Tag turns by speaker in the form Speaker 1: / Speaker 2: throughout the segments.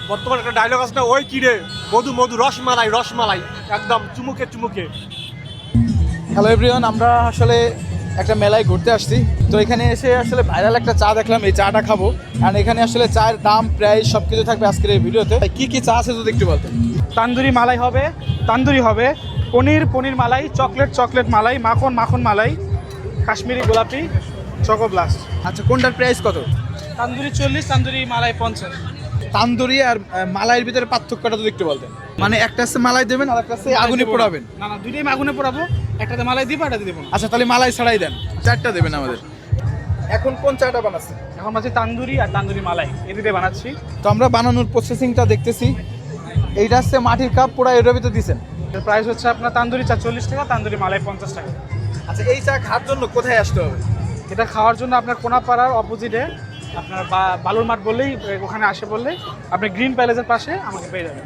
Speaker 1: বর্তমানে একটা ডায়লগ আছে না, ওই কিরে মধু মধু রসমালাই রসমালাই, একদম চুমুকে চুমুকে।
Speaker 2: হ্যালো এভরিওয়ান, আমরা আসলে একটা মেলায় ঘুরতে আসছি। তো এখানে এসে আসলে ভাইরাল একটা চা দেখলাম, এই চাটা খাবো। আর এখানে আসলে চায়ের দাম প্রাইস সব কিছু থাকবে আজকের এই ভিডিওতে। কি কি চা আছে যদি একটু বলতেন।
Speaker 3: তান্দুরি মালাই হবে, তান্দুরি হবে, পনির মালাই, চকলেট মালাই, মাখন মালাই, কাশ্মীরি গোলাপি, চকো ব্লাস্ট।
Speaker 2: আচ্ছা, কোনটার প্রাইস কত?
Speaker 3: তান্দুরি 40, তান্দুরি মালাই 50।
Speaker 2: তান্দুরি আর মালাইয়ের ভিতরে পার্থক্যটা যদি একটু বলতেন। মানে একটা আছে মালাই দেবেন আর একটা আছে আগুনে পোড়াবেন।
Speaker 3: না দুইটাই আগুনে পোড়াবো, একটাতে মালাই দিব, একটাতে দিব না।
Speaker 2: আচ্ছা, তাহলে মালাই ছাড়াই দেন, চারটা দেবেন আমাদের। এখন কোন চাটা বানাচ্ছেন?
Speaker 3: এখন বানাচ্ছি তান্দুরি আর তান্দুরি মালাই, এই দুটোই বানাচ্ছি।
Speaker 2: তো আমরা বানানোর প্রসেসিংটা দেখতেছি। এইটা হচ্ছে মাটির কাপ পোড়া, এটার ভিতরে দিচ্ছেন।
Speaker 3: এর প্রাইস হচ্ছে আপনার তান্দুরি চা 40 টাকা, তান্দুরি মালাই 50 টাকা।
Speaker 2: আচ্ছা, এই চা খাওয়ার জন্য কোথায় আসতে হবে?
Speaker 3: এটা খাওয়ার জন্য আপনার কোনাপাড়ার অপোজিটে আপনার বালুর মাঠ বললেই, ওখানে আসে বললেই আপনি গ্রিন প্যালেসের পাশে আমাকে পেয়ে যাবেন।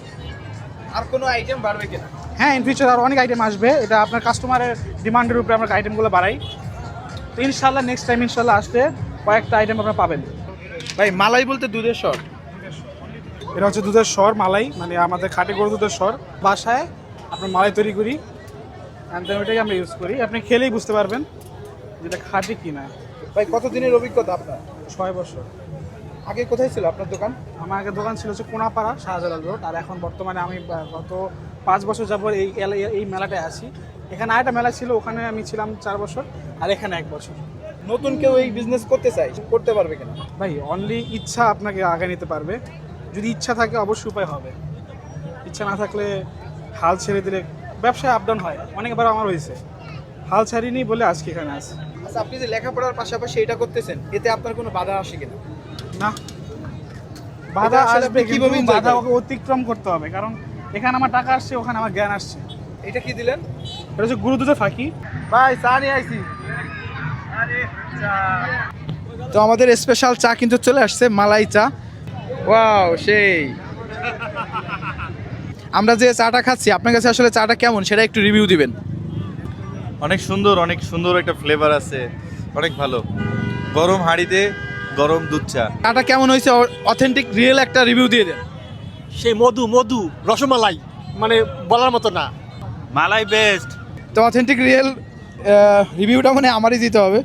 Speaker 2: আর কোনো আইটেম বাড়বে কিনা?
Speaker 3: হ্যাঁ, ইন ফিউচার আর অনেক আইটেম আসবে। এটা আপনার কাস্টমারের ডিমান্ডের উপরে আমরা আইটেমগুলো বাড়াই। তো ইনশাল্লাহ নেক্সট টাইম ইনশাল্লাহ আসলে কয়েকটা আইটেম আপনারা পাবেন।
Speaker 2: ভাই, মালাই বলতে দুধের স্বর?
Speaker 3: এটা হচ্ছে দুধের স্বর মালাই, মানে আমাদের খাঁটি গরু দুধের স্বর। বাসায় আপনার মালাই তৈরি করি, অ্যান্ড দেন ওইটাকে আমরা ইউজ করি। আপনি খেলেই বুঝতে পারবেন যেটা খাঁটি কি না।
Speaker 2: ভাই, কতদিনের অভিজ্ঞতা আপনার?
Speaker 3: 6 বছর।
Speaker 2: আগে কোথায় ছিল আপনার দোকান?
Speaker 3: আমার আগে দোকান ছিল হচ্ছে কোনাপাড়া শাহজালাল রোড, আর এখন বর্তমানে আমি গত 5 বছর যাবত এই মেলাটায় আছি। এখানে আরেকটা মেলা ছিল, ওখানে আমি ছিলাম 4 বছর, আর এখানে 1 বছর।
Speaker 2: নতুন কেউ এই বিজনেস করতে চাই, করতে পারবে কিনা?
Speaker 3: ভাই, অনলি ইচ্ছা আপনাকে আগে নিতে পারবে। যদি ইচ্ছা থাকে অবশ্যই উপায় হবে, ইচ্ছা না থাকলে হাল ছেড়ে দিলে ব্যবসায় আপ ডাউন হয়। অনেকবার আমার হয়েছে, হাল ছাড়িনি বলে আজকে এখানে আছি।
Speaker 2: আচ্ছা, আপনি যে লেখাপড়ার পাশাপাশি এটা করতেছেন, এতে আপনার কোনো বাধা আসে কিনা?
Speaker 3: না, বাধা
Speaker 2: আসলে
Speaker 3: আসবে,
Speaker 2: আপনি কিভাবে
Speaker 3: কিন্তু
Speaker 2: enjoy
Speaker 3: বাধা
Speaker 2: করেন?
Speaker 3: অতিক্রম করতে হবে, কারণ এখানে আমার টাকা আসছে, ওখানে আমার জ্ঞান আসছে।
Speaker 2: এটা কি দিলেন?
Speaker 3: এটা হচ্ছে গুরু দুধের ফাঁকি।
Speaker 2: ভাই, চা নিয়ে আইছি। তো আমাদের স্পেশাল চা কিন্তু চলে আসছে, মালাই চা। ওয়াও, সেই। আমরা যে চাটা খাচ্ছি, আপনার কাছে আসলে চাটা কেমন সেটা একটু রিভিউ দিবেন।
Speaker 4: অনেক সুন্দর একটা ফ্লেভার আছে, অনেক ভালো। গরম হাঁড়িতে গরম দুধ চা।
Speaker 2: চাটা কেমন হয়েছে, অথেন্টিক রিয়েল একটা রিভিউ দিয়ে দেন।
Speaker 1: সেই মধু মধু রসমালাই, মানে বলার মতো না।
Speaker 4: মালাই বেস্ট।
Speaker 2: তো অথেন্টিক রিয়েল রিভিউটা মানে আমারই দিতে হবে।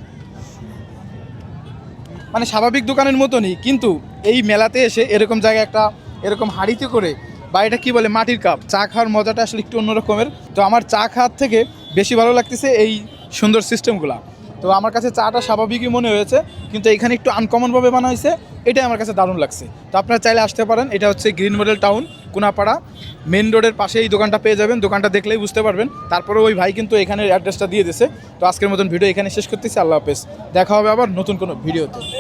Speaker 2: মানে স্বাভাবিক দোকানের মতনই, কিন্তু এই মেলাতে এসে এরকম জায়গায় একটা এরকম হাঁড়িতে করে, বা এটা কী বলে, মাটির কাপ, চা খাওয়ার মজাটা আসলে একটু অন্যরকমের। তো আমার চা খাওয়ার থেকে বেশি ভালো লাগতেছে এই সুন্দর সিস্টেমগুলো। তো আমার কাছে চাটা স্বাভাবিকই মনে হয়েছে, কিন্তু এখানে একটু আনকমনভাবে বানা হয়েছে, এটাই আমার কাছে দারুণ লাগছে। তো আপনারা চাইলে আসতে পারেন। এটা হচ্ছে green model town, Konapara main রোডের পাশে এই দোকানটা পেয়ে যাবেন। দোকানটা দেখলেই বুঝতে পারবেন। তারপরে ওই ভাই কিন্তু এখানের অ্যাড্রেসটা দিয়ে দিয়েছে। তো আজকের মতন ভিডিও এখানে শেষ করতেছি। আল্লাহ হাফেজ, দেখা হবে আবার নতুন কোনো ভিডিওতে।